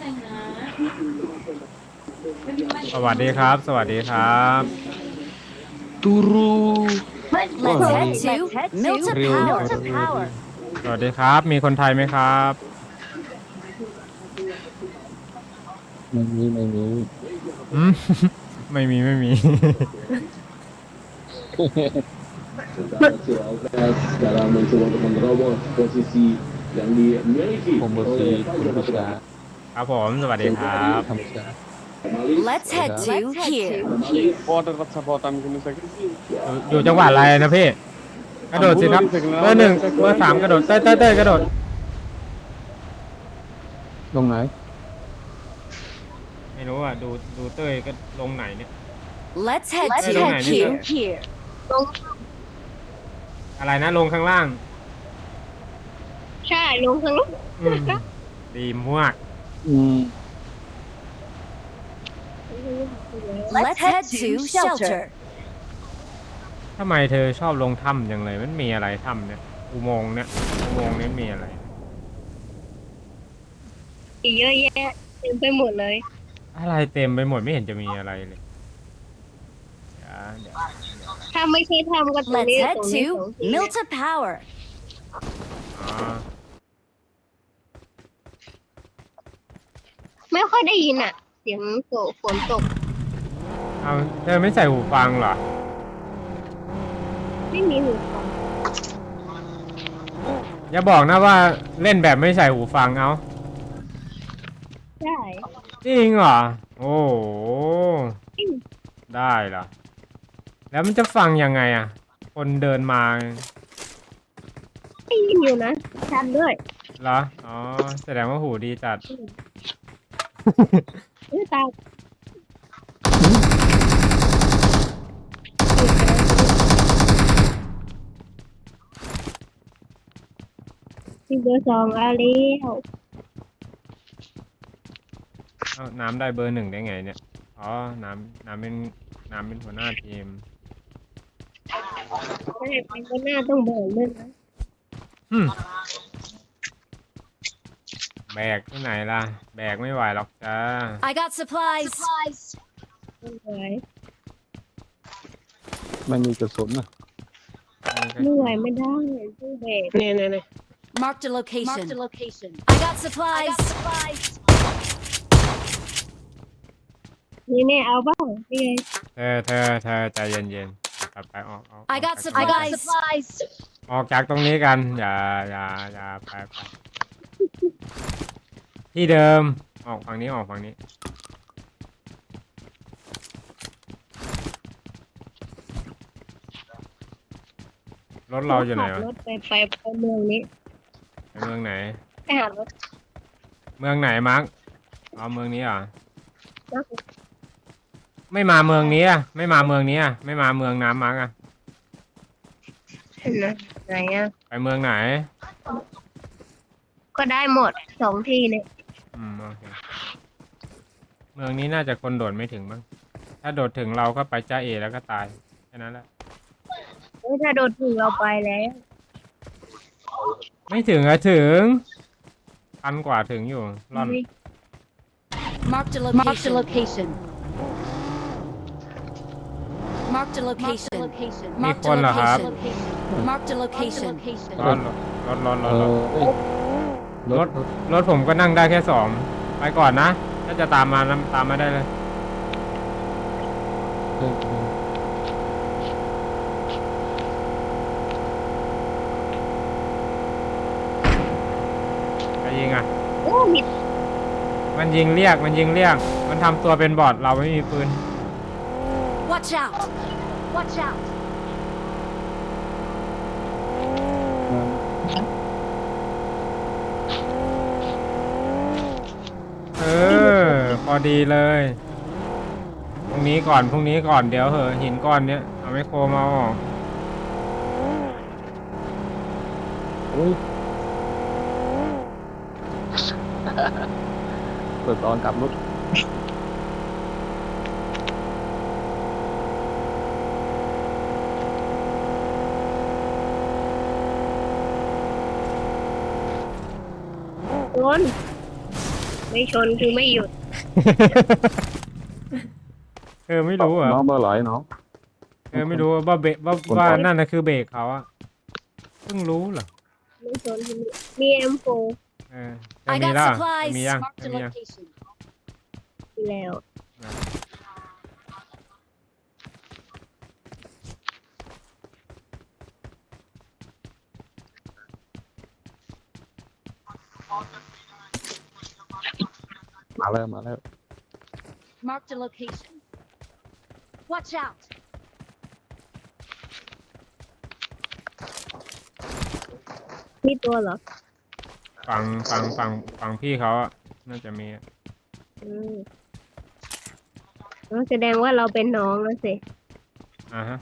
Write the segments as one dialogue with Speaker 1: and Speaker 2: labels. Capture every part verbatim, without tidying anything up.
Speaker 1: สวัสดีครับสวัสดีครับ
Speaker 2: ตูรู
Speaker 3: Let's head to Milta
Speaker 2: เร็ว
Speaker 3: Power.
Speaker 1: สวัสดีครับมีคนไทยไหมครับ
Speaker 2: ไม่มีไม่มี
Speaker 1: อืม ไม่มีไม่มี
Speaker 4: sekarang mencoba untuk menerobos posisi yang dimiliki
Speaker 2: ผมบอ
Speaker 4: oleh
Speaker 2: ซีคุณผู้ชา
Speaker 1: ครับผมสวัสดีครับ
Speaker 2: ธรรมชา
Speaker 3: Let's head to here.
Speaker 5: พอจะรับสปอร์ตตามคุณสัก
Speaker 1: อยู่อยู่จังหวัดอะไรนะพี่กระโดดสิครับเบอร์หนึ่งเบอร์สามกระโดดเต้ยเต้ยเต้ยกระโดด
Speaker 2: ลงไหน
Speaker 1: ไม่รู้อ่ะดูดูเต้ยก็ลงไหนเนี่ย
Speaker 3: Let's head
Speaker 1: Let's
Speaker 3: to
Speaker 1: head
Speaker 3: here.
Speaker 1: here. อะไรนะลงข้างล่าง
Speaker 6: ใช่ลงทางนู้น
Speaker 1: อืมดีมาก
Speaker 2: อืม
Speaker 3: Let's head to shelter.
Speaker 1: ทำไมเธอชอบลงถ้ำจังเลยมันมีอะไรถ้ำเนี่ยอุโมงค์เนี่ยอุโมงค์นี้มีอะไร
Speaker 6: อีกเยอะแยะเต็มไปหมดเลย
Speaker 1: อะไรเต็มไปหมดไม่เห็นจะมีอะไรเลยเดี๋ยวเดี๋ยว
Speaker 6: ถ้าไม่ใช่ทำก็ตรง
Speaker 3: Let's
Speaker 6: นี้
Speaker 3: head
Speaker 6: ตรงนี้สอง
Speaker 3: to
Speaker 6: ที
Speaker 3: Milta Power.
Speaker 1: อ๋อ
Speaker 6: ไม่ค่อยได้ยินอ่ะ เสียงโกฝนตก
Speaker 1: เอาเธอไม่ใส่หูฟังเหรอ
Speaker 6: ไม่มีหูฟัง
Speaker 1: อย่าบอกนะว่าเล่นแบบไม่ใส่หูฟังเอา
Speaker 6: ใช่
Speaker 1: จริงเหรอโอ้โหได้เหรอแล้วมันจะฟังยังไงอ่ะ คนเดินมา
Speaker 6: ได้ยินอยู่นะชัดด้วย
Speaker 1: เหรออ๋อแสดงว่าหูดีจัด
Speaker 6: เออตายที่เบอร์สองอาลีว
Speaker 1: เอาน้ำได้เบอร์หนึ่งได้ไงเนี่ยอ๋อน้ำน้ำเป็นน้ำเป็นหัวหน้าทีม
Speaker 6: ใช่เป็นก็หน้าต้องเบิร์ด้วยนะ
Speaker 1: อืมแบกที่ไหนล่ะ แบกไม่ไหวหรอกจ้า
Speaker 3: I got supplies.
Speaker 6: ต้องไหว
Speaker 2: ไม่มีกระสุนนะ
Speaker 6: ไม่ไหวไม่ได้ต้องเบรกเนี่ยเนี่ยเนี่ย
Speaker 3: Marked a location. I got supplies.
Speaker 6: นี่เนี่ยเอาบ้างนี่ไง
Speaker 1: เธอเธอเธอใจเย็นๆกลับไปออกออก
Speaker 3: I got
Speaker 1: ออกจาก
Speaker 3: supplies.
Speaker 1: ออกจากตรงนี้กัน อย่าอย่าอย่าไปไปที่เดิมออกฝั่งนี้ออกฝั่งนี้รถเราอยู่ไหน
Speaker 6: ขับ
Speaker 1: วะ
Speaker 6: รถไปไปไปเมืองนี้
Speaker 1: ไปเมืองไหน
Speaker 6: ไปหารถ
Speaker 1: เมืองไหนมาร์กเอาเมืองนี้เหรอ่ะ
Speaker 6: นะ
Speaker 1: ไม่มาเมืองนี้อ่ะไม่มาเมืองนี้อ่ะไม่มาเมืองน้ำมาร์กอ่ะ
Speaker 6: เห็นไหมไหนอ่ะ
Speaker 1: ไปเมืองไหน
Speaker 6: ก็ได้หมดสองที่เนี่ย
Speaker 1: อืมโอเคเมืองนี้น่าจะคนโดดไม่ถึงมั้งถ้าโดดถึงเราก็ไปจ้าเอแล้วก็ตายแค่นั้นแหละ
Speaker 6: เฮ้ยถ้าโดนถึงเราไปแล้ว
Speaker 1: ไม่ถึงอะถึงพันกว่าถึงอยู่ร่อน
Speaker 3: Marked a location. Marked a location.
Speaker 1: มี
Speaker 3: Marked
Speaker 1: ค
Speaker 3: a
Speaker 1: นเหรอครับ
Speaker 3: location. Marked a location.
Speaker 1: ร้อนรถรถร
Speaker 2: เอ
Speaker 1: ถรถ
Speaker 2: อเอ้ยร
Speaker 1: ร
Speaker 2: ถ
Speaker 1: ถรถผมก็นั่งได้แค่สองไปก่อนนะถ้าจะตามมานะตามมาได้เลย
Speaker 2: เออเออ
Speaker 1: ไปยิงอ่ะ
Speaker 6: โอ้มี
Speaker 1: มันยิงเรียกมันยิงเรียกมันทำตัวเป็นบอทเราไม่มีปืน
Speaker 3: Watch out. Watch out.
Speaker 1: เออพอดีเลยพรุ่งนี้ก่อนพรุ่งนี้ก่อนเดี๋ยวเหอะหินก้อนเนี้ยเอาไมโครมาออก
Speaker 2: โอ้ยเปิดตอนกลับรถ
Speaker 6: โดน
Speaker 2: โ
Speaker 6: ไม่ชนคือไม่หยุด
Speaker 1: เออไม่รู้เหรอ่ะ
Speaker 2: น้องเบอร์ไหลน้อง
Speaker 1: เออไม่รู้ว่าเบรกว่าว่านั่นนะคือเบรกเขาอะเพิ่งรู้เหรอ
Speaker 6: ไม่ชนคือมีเอ็มโฟ
Speaker 1: เออจะ
Speaker 3: I
Speaker 1: มี
Speaker 3: got
Speaker 1: แล้ว
Speaker 3: supplies.
Speaker 1: จะมียัง
Speaker 3: Marked
Speaker 1: จะ
Speaker 3: a
Speaker 1: มียัง
Speaker 3: location.
Speaker 6: แล้ว
Speaker 2: มาแล้วมาแล้ว
Speaker 3: Marked a location. Watch out.
Speaker 6: มีตัวเหรอ
Speaker 1: ฝั่งฝั่งฝั่งฝั่งพี่เขาอะน่าจะมีอะ
Speaker 6: อืมอ๋อแสดงว่าเราเป็นน้องแล้วสิ
Speaker 1: อ่าฮะ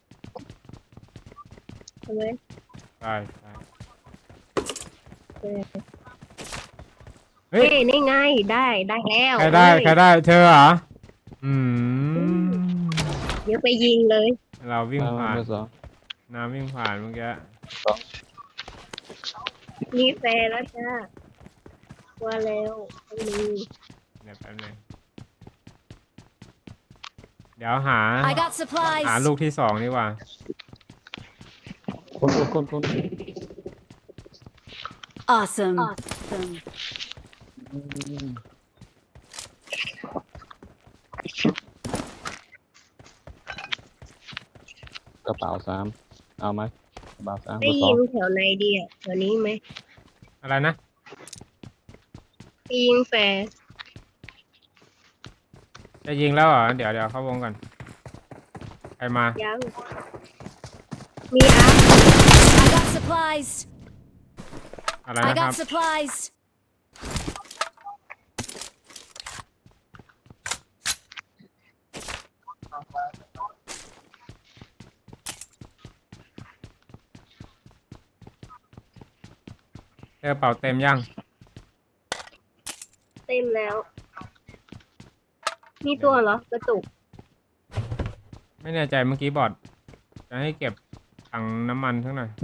Speaker 6: ใช่ไหม
Speaker 1: ใช่ใช่
Speaker 6: เออ
Speaker 1: เฮ้
Speaker 6: เฮ้
Speaker 1: ย
Speaker 6: ยนี่ไงได้ได้แล้ว
Speaker 1: ใครได้
Speaker 6: เอ้ย
Speaker 1: ใครได้เธอเหรออืม
Speaker 6: เดี๋ยวไปยิงเลย
Speaker 1: เราวิ่ง
Speaker 2: มา
Speaker 1: ผ่าน
Speaker 2: เบอร์สอง
Speaker 1: น้ำวิ่งผ่านเมื่อกี้
Speaker 6: มีแฟนแล้วจ้าว่าแล้วต้องมี
Speaker 1: เดี๋ยวแป๊บนึงเดี๋ยวหา
Speaker 3: I got
Speaker 1: หา
Speaker 3: supplies.
Speaker 1: ลูกที่สองดีกว่า
Speaker 2: คนคนคนคน
Speaker 3: Awesome. Awesome.
Speaker 2: อืมกระเป๋าสามเอาไหมกระเป๋าสามเบ
Speaker 6: ได้
Speaker 2: อร์สอ
Speaker 6: ยิ
Speaker 2: ง
Speaker 6: งแถวไหนดีอ่ะแถวนี้ไหม
Speaker 1: อะไรนะ
Speaker 6: ไปยิงแฟร์
Speaker 1: จะยิงแล้วเหรอเดี๋ยวเดี๋ยวเข้าวงก่อนใครมา
Speaker 6: ยังมีอาร์
Speaker 3: I got supplies.
Speaker 1: อะไร
Speaker 3: I
Speaker 1: นะครั
Speaker 3: got
Speaker 1: บ
Speaker 3: supplies.
Speaker 1: เธอเป่าเต็มยัง
Speaker 6: เต็มแล้ว มีตัวเหรอกระตุก
Speaker 1: ไม่แน่ใจเมื่อกี้บอดจะให้เก็บถังน้ำมันทั้งหน่อย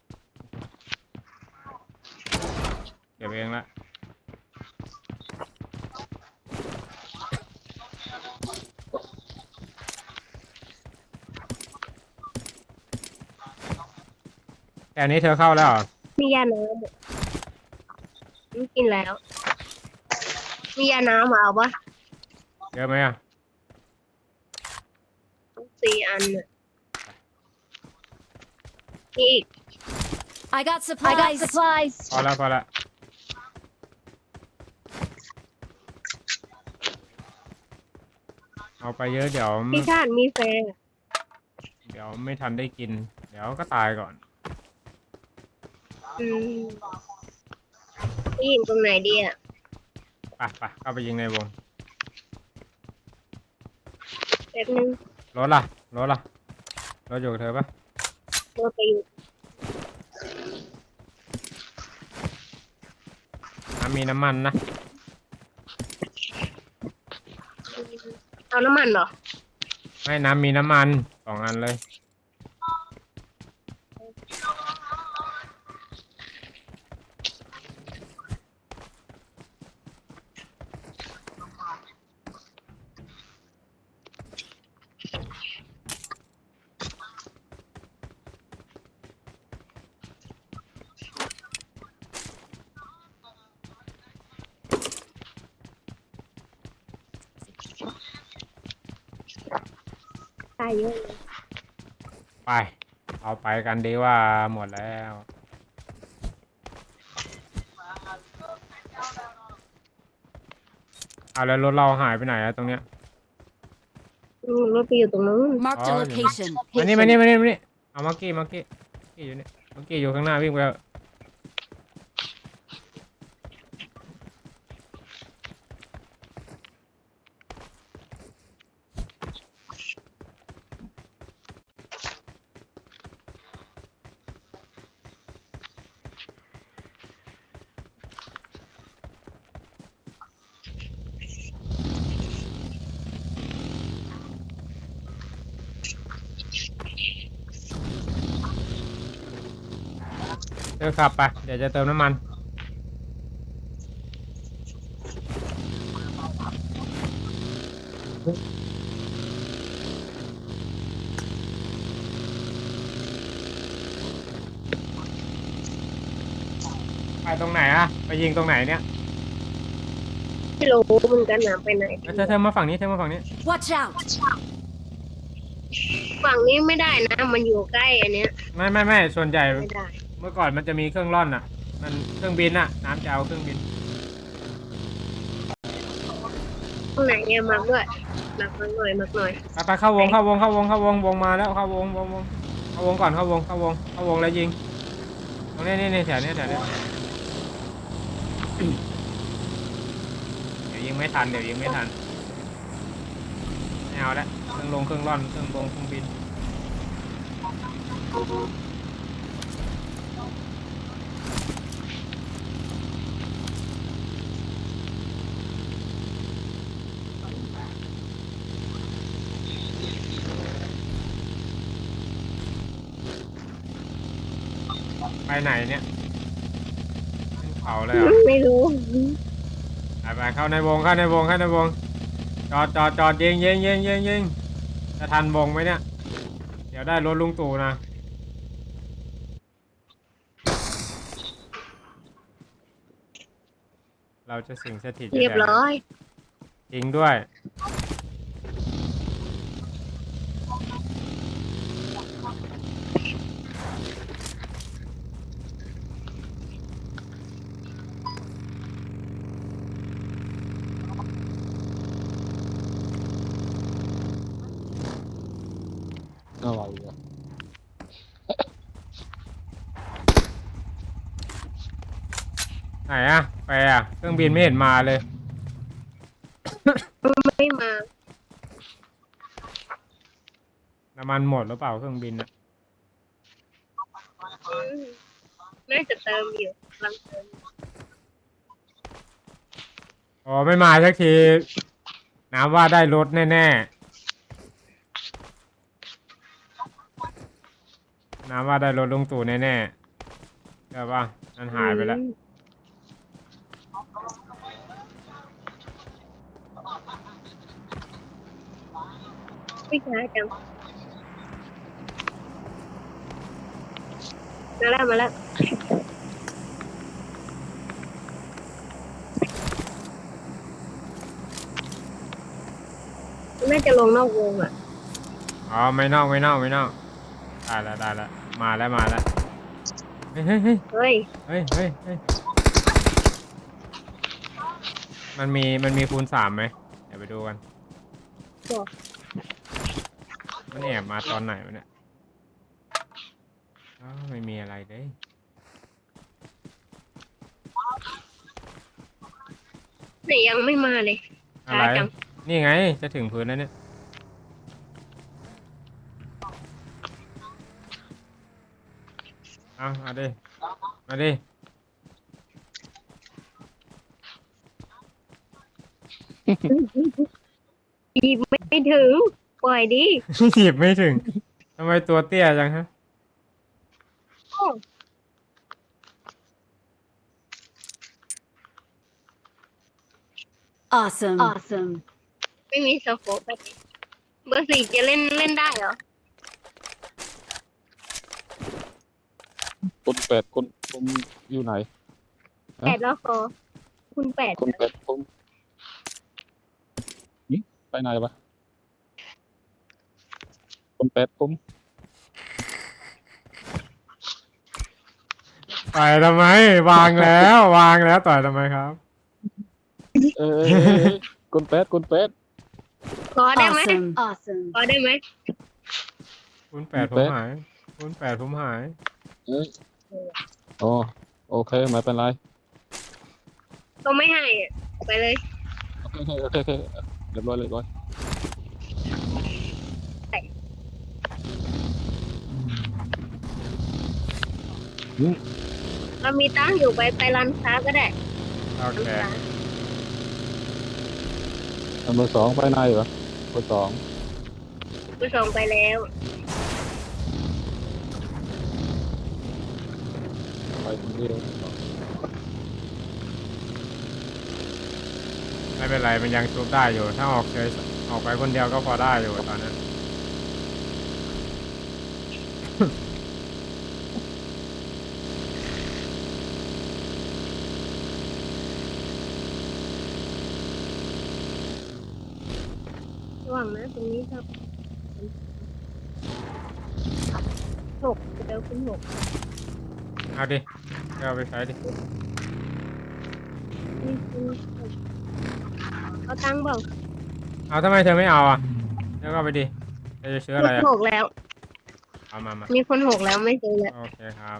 Speaker 1: เก็บเองละแต่อันนี้เธอเข้าแล้วเหรอ
Speaker 6: มียาน้ำไม่กินแล้ว มียาน้ำมาเอาปะ
Speaker 1: เยอะไหมอ่ะ
Speaker 6: สี่อันน่ะมีอีก
Speaker 3: I got supplies. I got supplies.
Speaker 1: พอแล้วพอแล้วเอาไปเยอะเดี๋ยว
Speaker 6: พี่ชาติมีแฟน
Speaker 1: เดี๋ยวไม่ทันได้กิน เดี๋ยวก็ตายก่อน
Speaker 6: อืมพี่ยิงตรงไหนดีอ่ะ
Speaker 1: ไปไปเข้าไปยิงในวง
Speaker 6: แป๊บนึง
Speaker 1: รถล่ะรถล่ะรถอยู่กับเธอปะ
Speaker 6: โดนไปอยู่
Speaker 1: น้ำมีน้ำมันนะ
Speaker 6: เอาน้ำมันเหรอ
Speaker 1: ไม่น้ำมีน้ำมันสองอันเลย
Speaker 6: ตายเยอะเลย
Speaker 1: ไป เอาไปกันดีว่าหมดแล้ว เอาแล้วรถเราหายไปไหนอะตรงเนี้ย
Speaker 6: อืมรถไปอยู่ตรงนู้น
Speaker 3: Marked a
Speaker 1: Oh,
Speaker 3: location.
Speaker 1: มานี่มานี่มานี่มานี่เอามักกี้มักกี้มักกี้อยู่นี่มักกี้อยู่ข้างหน้าวิ่งไปเถอะเธอขับไป เดี๋ยวจะเติมน้ำมันไปตรงไหนอะไปยิงตรงไหนเนี่ย
Speaker 6: ไม่รู้เหมือนกันนะไปไหน
Speaker 1: เธอเธอมาฝั่งนี้เธอมาฝั่งนี้
Speaker 3: Watch out!
Speaker 6: ฝั่งนี้ไม่ได้นะ มันอยู่ใกล้อันเนี้ย
Speaker 1: ไม่ไม่ไม่ส่วนใหญ่
Speaker 6: ไม่ได้
Speaker 1: เมื่อก่อนมันจะมีเครื่องร่อนอะมันเครื่องบินอะน้ำจะเอาเครื่องบิน
Speaker 6: ตรงไหนเนี่ยมักด้วยมักมักหน่อยมักหน่อย
Speaker 1: ไปไปเข้าวงเข้าวงเข้าวงเข้าวงวงมาแล้วเข้าวงวงวงเข้าวงก่อนเข้าวงเข้าวงเข้าวงแล้วยิงตรงนี้นี่นี่แถวนี้แถวนี้เดี๋ยวยิงไม่ทันเดี๋ยวยิงไม่ทันไม่เอาละเครื่องลงเครื่องร่อนเครื่องลงเครื่องบินไปไหนเนี่ยขึ้นเขาเลยเหรอ
Speaker 6: ไม่รู้
Speaker 1: ไปไปเข้าในวงเข้าในวงเข้าในวงจอดจอดจอดยิงยิงยิงยิงยิงจะทันวงไหมเนี่ยเดี๋ยวได้รถลุงตู่นะเราจะสิงสถิต
Speaker 6: เรียบร้อย
Speaker 1: จริงด้วย
Speaker 2: อะไรวะ
Speaker 1: ไหนอะไปอะเครื่องบินไม่เห็นมาเลย
Speaker 6: ไม่มา
Speaker 1: น้ำมันหมดหรือเปล่าเครื่องบินอะ
Speaker 6: อืมน่าจะเติมอยู่กำลังเติม
Speaker 1: อ๋อไม่มาสักทีน้ำว่าได้รถแน่ๆน้ำว่าได้รถลุงตู่แน่ๆใช่ป่ะมันหายไปแล้ว
Speaker 6: ไม่ช้าจังมาแล้วมาแล้วน่าจะลงนอกวงอ่ะ
Speaker 1: อ๋อไม่นอกไม่นอกไม่นอกได้แล้วได้แล้วมาแล้วมาแล้วเฮ้ยเฮ้ยเฮ้ย
Speaker 6: เฮ้ย
Speaker 1: เฮ้ยเฮ้ยเฮ้ยมันมีมันมีคูณสามไหมเดี๋ยวไปดูกัน
Speaker 6: บอก
Speaker 1: มันแอบมาตอนไหนวะเนี่ยอ้าวไม่มีอะไรเลย
Speaker 6: แต่ยังไม่มาเลย
Speaker 1: อะ
Speaker 6: ช้า
Speaker 1: ไร
Speaker 6: จัง
Speaker 1: นี่ไงจะถึงพื้นแล้วเนี่ยเอาเอาดิมาดิ
Speaker 6: หยิบไม่ถึง ปล่อยดิ
Speaker 1: หยิบไม่ถึงทำไมตัวเตี้ยจังฮะ
Speaker 3: Awesome. Awesome.
Speaker 6: ไม่มีสโคปแบบนี้เบอร์สี่จะเล่นเล่นได้เหรอ
Speaker 2: คนแปดคนคนอยู่ไหน
Speaker 6: แปดแล้วคอคุณแปด
Speaker 2: คนแปดคนนี่ไปไหนวะคนแปดคน
Speaker 1: ต่อยทำไมวางแล้ววางแล้วต่อยทำไมครับ
Speaker 2: เออเออเออเออคนแปดคนแปด
Speaker 6: ขอได้ไหม
Speaker 3: Awesome. Awesome.
Speaker 6: ขอได้ไหม
Speaker 1: คูณแปดผมหายคูณแปดผมหาย
Speaker 2: เอ้ยอ๋อโอเคไม่เป็นไร
Speaker 6: ก็ไม่ให้อะไปเลย
Speaker 2: โอเคโอเคโอเคเรียบร้อยเรียบร้อย
Speaker 6: เรามีตังค์อยู่ไปไปร้านค้าก็ได้
Speaker 1: โอเค
Speaker 6: ร้านค้า
Speaker 2: อันเบอร์สองไปไหนวะเบอร์สอง
Speaker 6: ไปส่งไปแล้ว
Speaker 2: ไปตรงนี้เลย
Speaker 1: ไม่เป็นไรมันยังชุบได้อยู่ถ้าออกเฉยออกไปคนเดียวก็พอได้อยู่ตอนนั้น
Speaker 6: ระหว่างนะตรงนี้ครับหกเดี๋ยวคุณหก
Speaker 1: เอาดิเอาไปใช้ดิ
Speaker 6: นี่คุณหกเอาตังค์เปล่า
Speaker 1: เอาทำไมเธอไม่เอาอ่ะเธอก็เอาไปดิเธอจะซื้ออะไร
Speaker 6: มี
Speaker 1: อ่ะ
Speaker 6: คนหกแล้ว
Speaker 1: เอามามา
Speaker 6: มีคนหกแล้วไม่ซื้อแล้ว
Speaker 1: โอเคครับ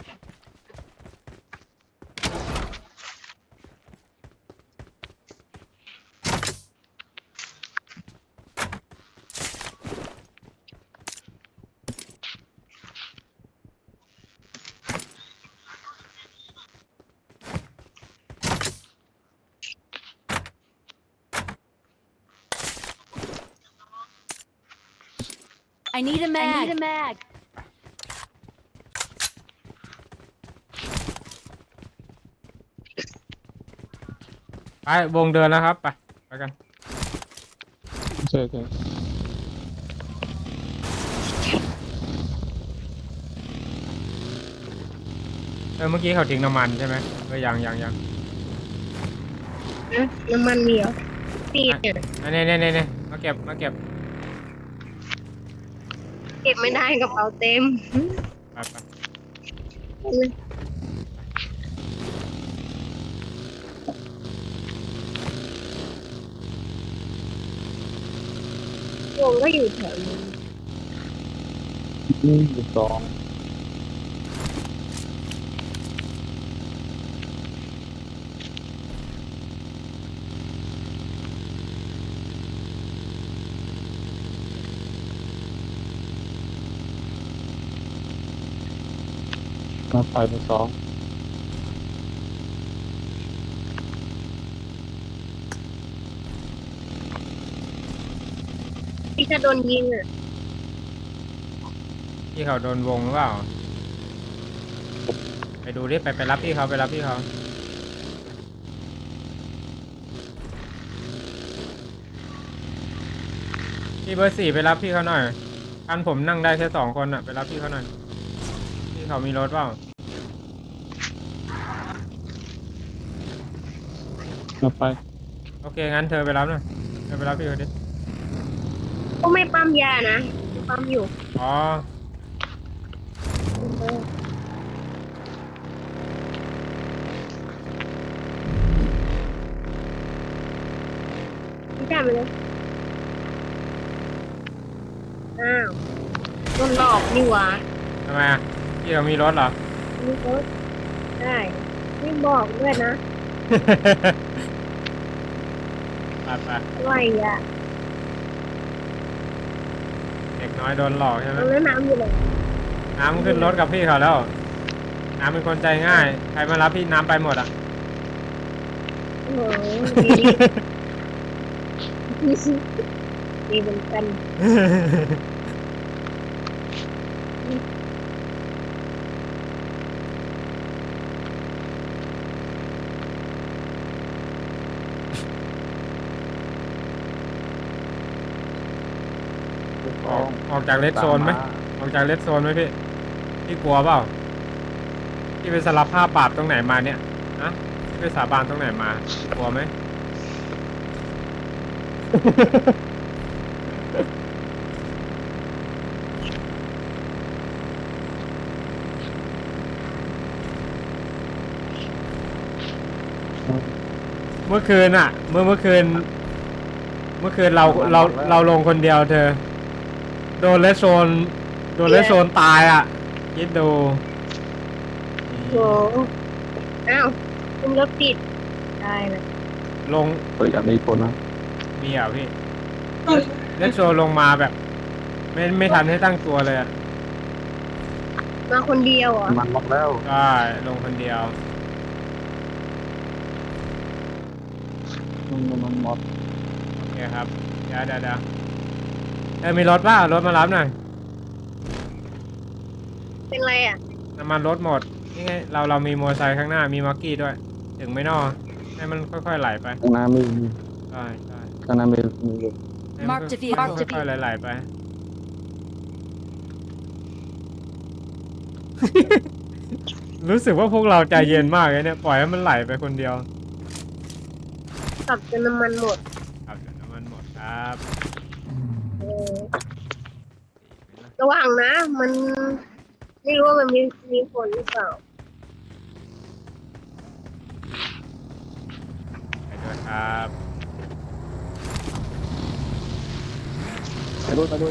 Speaker 3: I need a mag. I need a mag.
Speaker 1: ไปวงเดินแล้วครับไปไปกัน
Speaker 2: ใช่ใช่
Speaker 1: เออเมื่อกี้เขาทิ้งน้ำมันใช่ไหมเออยังยังยัง
Speaker 6: นะน้ำมันมีเหรอปีดเนี่ย
Speaker 1: อันนี้นี่นี่นี่มาเก็บมาเก็บ
Speaker 6: เก็บไม่ได้กระเป๋าเต็ม
Speaker 1: ไปไป
Speaker 6: วงก็อยู่แถวนี้
Speaker 2: หนึ่งสองมาไปเป็นสอง
Speaker 6: พี่จะโดนยิงอ่ะ
Speaker 1: พี่เขาโดนวงหรือเปล่าไปดูดิไปไปรับพี่เขาไปรับพี่เขาพี่เบอร์สี่ไปรับพี่เขาหน่อยคันผมนั่งได้แค่สองคนอ่ะไปรับพี่เขาหน่อยพี่เขามีรถเปล่า
Speaker 2: มาไป
Speaker 1: โอเคงั้นเธอไปรับหน่อยเธอไปรับพี่เขาดิ
Speaker 6: ก็ไม่ปั๊มยานะปั๊มอยู่
Speaker 1: อ๋อ
Speaker 6: พี่จ่ายไปเลยอ้าวโดนหลอกนี่หว่า
Speaker 1: ทำไมอ่ะพี่เขามีรถเหรอ
Speaker 6: นี่รถได้ไม่บอกด้วยนะ
Speaker 1: ไปไป
Speaker 6: อะไรอ่ะ
Speaker 1: เด็กน้อยโดนหลอกใช่ไหม
Speaker 6: เอาแล้วน้ำอยู่เลย
Speaker 1: น้ำขึ้นรถกับพี่เขาแล้ว น้ำเป็นคนใจง่าย ใครมารับพี่น้ำไปหมดอ่ะ
Speaker 6: โอ้โหดีดีเหมือนกัน
Speaker 1: ออกออกจากเลดโซนไหมออกจากเลดโซนไหมพี่ พี่กลัวเปล่า พี่ไปสารภาพบาปตรงไหนมาเนี่ยนะพี่ไปสาบานตรงไหนมาพี่กลัวไหม เมื่อคืนอ่ะ เมื่อเมื่อคืน เมื่อคืนเราเราเราลงคนเดียวเธอ โดนเลสโซน โดนเลสโซนตายอ่ะ คิดดู
Speaker 6: โอ้โหอ้าวคุณรถติดได้นะ
Speaker 1: ลง
Speaker 2: เปิดอย่างนี้คนนะ
Speaker 1: มีอ่ะพี่ เลสโซนลงมาแบบ ไม่ไม่ทันให้ตั้งตัวเลยอ่ะ
Speaker 6: มาคนเดียวเหรอ่ะ
Speaker 2: มันล็อกแล้ว
Speaker 1: ใช่ลงคนเดียว
Speaker 2: มันมันหมด
Speaker 1: โอเคครับ เดี๋ยวเดี๋ยวเดี๋ยวเออมีรถป่ะรถมารับหน่อย
Speaker 6: เป็นไรอ่ะ
Speaker 1: น้ำมันรถหมด นี่ไง เราเรามีมอเตอร์ไซค์ข้างหน้า มีมักกี้ด้วย ถึงไม่นอให้มันค่อยๆไหลไป
Speaker 2: ข้างหน้ามี
Speaker 1: ใช่ใช่
Speaker 2: ข้างหน้ามีมีอยู่
Speaker 1: ให้มัน
Speaker 3: Mark the
Speaker 1: ค่
Speaker 3: vehicle.
Speaker 1: อยๆค่อยๆไหลๆไป รู้สึกว่าพวกเราใจเย็นมากเลยเนี่ยปล่อยให้มันไหลไปคนเดียว
Speaker 6: ขับจนน้ำมันหมด
Speaker 1: ครับเดี๋ยวน้ำมันหมดครับ
Speaker 6: เออระวังนะ มันไม่รู้ว่ามันมีมีผลหรือเปล่า
Speaker 1: ไปด้วยครับ
Speaker 2: ไปด้วยไปด้วย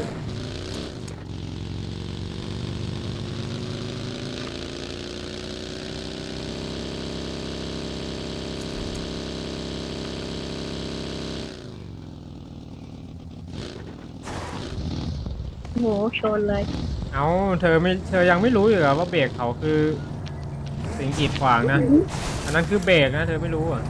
Speaker 6: โหชนเลย
Speaker 1: เอาเธอไม่เธอยังไม่รู้อยู่เหรอว่าเบรกเขาคือสิ่งกีดขวางนะ อันนั้นคือเบรกนะเธอไม่รู้อ่ะ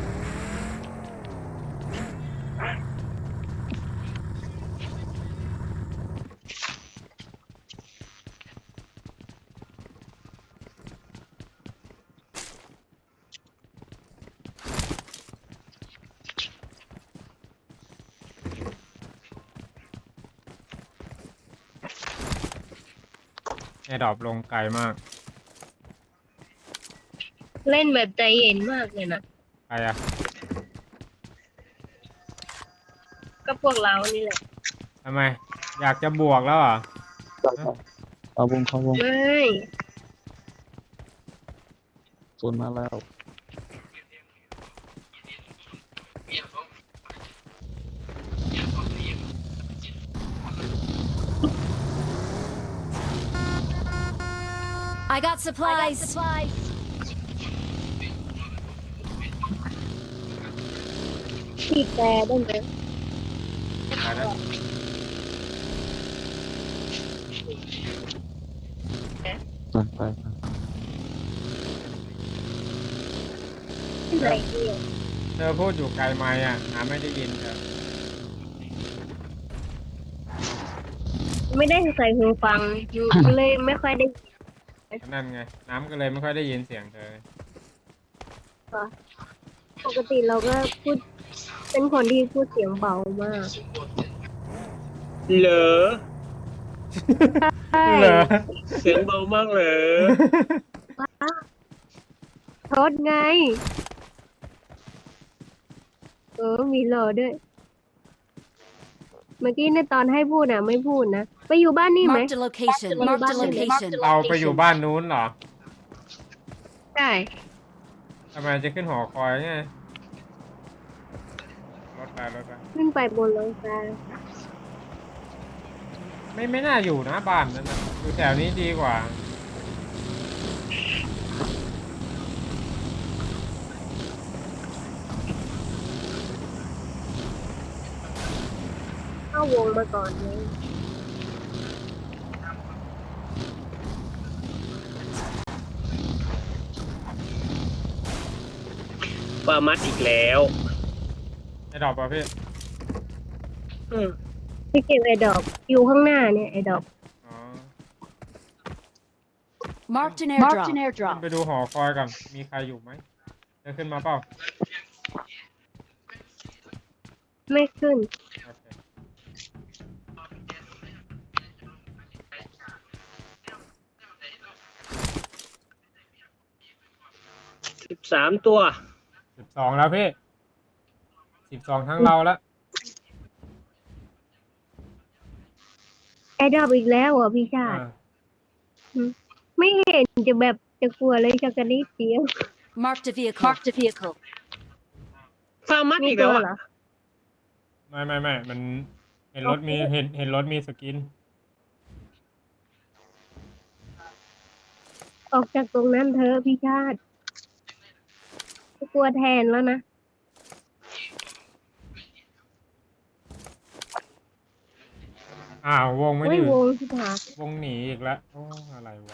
Speaker 1: แอร์ดรอปลงไกลมาก
Speaker 6: เล่นแบบใจเย็นมากเลยนะ
Speaker 1: ใครอะ
Speaker 6: ก็พวกเรานี่แหละ
Speaker 1: ทำไม อยากจะบวกแล้วเหรอ
Speaker 2: เอาวงเข้าวง
Speaker 6: ไม่
Speaker 2: โซนมาแล้ว
Speaker 3: I got supplies.
Speaker 6: ขีดแต่ได้ไหม
Speaker 1: ใครนะ
Speaker 2: ไปไปไป
Speaker 6: ที่ไหนเดียว
Speaker 1: เธอพูดอยู่ไกลไหมอ่ะหาไม่ได้ยินเธอ
Speaker 6: ไม่ได้ใส่หูฟังเลยไม่ค่อยได้
Speaker 1: นั่นไง น้ำก็เลยไม่ค่อยได้ยินเสียงเธอ
Speaker 6: ปกติเราก็พูด เป็นคนที่พูดเสียงเบามาก
Speaker 5: เหรอ
Speaker 6: ใช่
Speaker 1: เหรอ
Speaker 5: เสียงเบามากเหรอ
Speaker 6: โทษไง เออ มีรอด้วย เมื่อกี้ในตอนให้พูดอ่ะ ไม่พูดนะ ไปอยู่บ้านนี่ไหม
Speaker 3: Marked a location. Marked a location.
Speaker 1: เราไปอยู่บ้านนู้นเหรอ
Speaker 6: ใช่
Speaker 1: ทำไมจะขึ้นหอคอยไงรถไปรถไป
Speaker 6: ขึ้นไปบนหลังคา
Speaker 1: ไม่ไม่น่าอยู่นะบ้านนั้นนะอยู่แถวนี้ดีกว่า
Speaker 6: เข้าวงมาก่อนเลย
Speaker 5: ปามัดอีกแล้ว
Speaker 1: ไอ้ดอกป่ะพี่
Speaker 5: อืม
Speaker 6: ที่เก็บไอ้ดอกอยู่ข้างหน้าเนี่ยไอ้ดอก
Speaker 1: อ๋อ
Speaker 3: Marked an airdrop. Marked an
Speaker 1: ขึ้น
Speaker 3: airdrop.
Speaker 1: ไปดูหอคอยก่อน มีใครอยู่ไหมเธอขึ้นมาเปล่า
Speaker 6: ไม่ขึ้น
Speaker 1: โอเค
Speaker 5: สิบสามตัว
Speaker 1: สิบสองแล้วพี่ สิบสองทั้งเราแล้ว
Speaker 6: ไอ้ดอกอีกแล้วเหรอ่ะพี่ชาติ ไม่เห็นจะแบบจะกลัวเลยจะกระดิดเดียว
Speaker 3: Marked a vehicle. Marked a vehicle.
Speaker 5: ปามัด
Speaker 6: มี
Speaker 5: อีก
Speaker 6: ตั
Speaker 5: แล้ว ว
Speaker 6: เหร
Speaker 5: อ่ะ
Speaker 6: อ
Speaker 1: ไม่ไม่ไม่มันเห็นรถมีเห็นเห็นรถมีสกิน
Speaker 6: ออกจากตรงนั้นเธอะพี่ชาติกลัวแทนแล้วนะ
Speaker 1: อ้าววงไม่
Speaker 6: ไม่
Speaker 1: ได้อยู่
Speaker 6: วงที่ผาว
Speaker 1: งหนีอีกแล้วโอ้อะไรวะ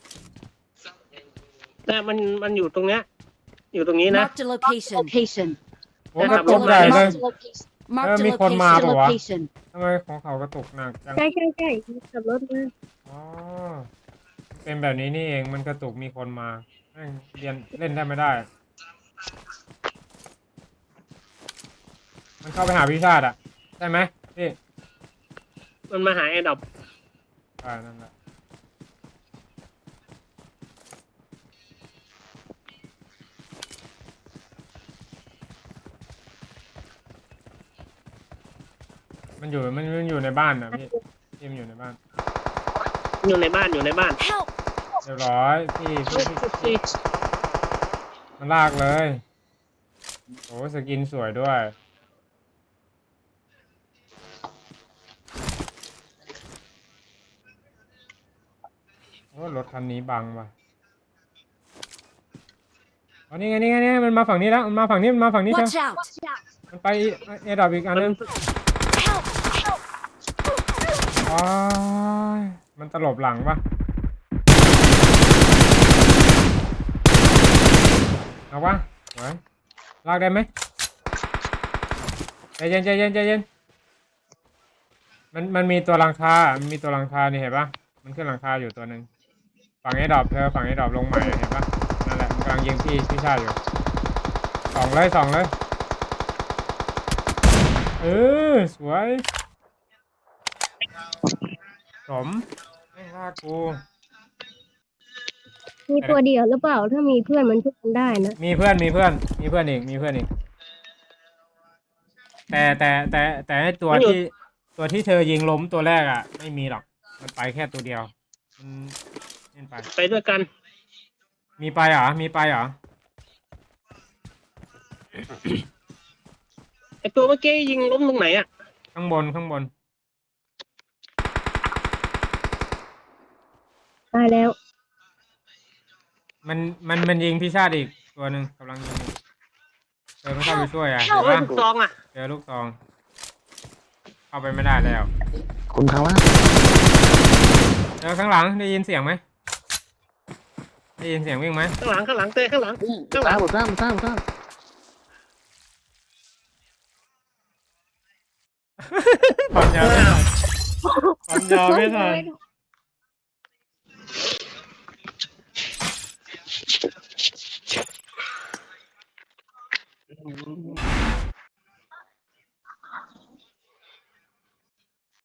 Speaker 5: แต่มันมันอยู่ตรงเนี้ย อยู่ตรงนี้นะ
Speaker 3: Marked a location. Location.
Speaker 1: โอ้กระตุกใหญ่เลย
Speaker 3: Marked a
Speaker 1: Ờ, mi con ma
Speaker 3: location.
Speaker 1: bảo à?
Speaker 3: Location.
Speaker 1: ทำไมของเขากระตุกหนักจัง
Speaker 6: ใช่ใช่ใช่ขับรถมา
Speaker 1: อ๋อเป็นแบบนี้นี่เองมันกระตุกมีคนมาแม่งเรียนเล่นได้ไม่ได้ มันเข้าไปหาพิชาติอ่ะใช่ไหมพี่
Speaker 5: มันมาหาแอร์ดรอป
Speaker 1: อ่านั่นแหละมันอยู่มันมันอยู่ในบ้านนะพี่พี่มันอยู่ในบ้าน
Speaker 5: อยู่ในบ้านอยู่ในบ้าน
Speaker 3: Help!
Speaker 1: เรียบร้อยพี่พี่พี่มันลากเลยโอ้สกินสวยด้วยโอ้รถคันนี้บังว่ะอ๋อนี่ไงนี่ไงนี่ไงมันมาฝั่งนี้แล้วมันมาฝั่งนี้มันมาฝั่งนี้เชียว
Speaker 3: Watch out!
Speaker 1: มันไปเอดับอีกอันนึง
Speaker 3: Help! Help!
Speaker 1: อ๋อมันตลบหลังปะเอาวะไหวลากได้ไหมใจเย็นใจเย็นใจเย็นมันมันมีตัวหลังคา มันมีตัวหลังคานี่เห็นปะมันขึ้นหลังคาอยู่ตัวหนึ่งฝั่งไอ้ดรอปเธอฝั่งไอ้ดรอปลงใหม่เห็นปะนั่นแหละมันกำลังยิงพี่พี่ชาติอยู่สองเลยสองเลยเออสวยสมไม่ลากกู
Speaker 6: มีตัวเดียวหรือเปล่า ถ้ามีเพื่อนมันช่วยกันได้นะ
Speaker 1: มีเพื่อนมีเพื่อนมีเพื่อนอีกมีเพื่อนอีกแต่แต่แต่แต่ไอ้ตัวที่ตัวที่เธอยิงล้มตัวแรกอ่ะ ไม่มีหรอกมันไปแค่ตัวเดียวมันเล่นไป
Speaker 5: ไปด้วยกัน
Speaker 1: มีไปเหรอมีไปเหรอ
Speaker 5: ไอตัวเมื่อกี้ยิงล้มตรงไหนอ่ะ
Speaker 1: ข้างบนข้างบน
Speaker 6: ตายแล้ว
Speaker 1: มันมันมันยิงพี่ชาติอีกตัวหนึ่งกำลังยิงอยู่เธอไม่เข้าไปช่วยอ่ะเห็น
Speaker 5: เฮ้ย
Speaker 1: ปะ
Speaker 5: ลูกซองอ่ะ
Speaker 1: เจอลูกซองเข้าไปไม่ได้แล้ว
Speaker 2: คุณเขาว่า
Speaker 1: เจอข้างหลังได้ยินเสียงไหมได้ยินเสียงวิ่งไหม
Speaker 5: ข้างหลังข้างหลังเต้ข้างหลัง
Speaker 2: สร้างสร้างสร้างสร้าง
Speaker 1: ความยาวไม่ทันความยาวไม่ทัน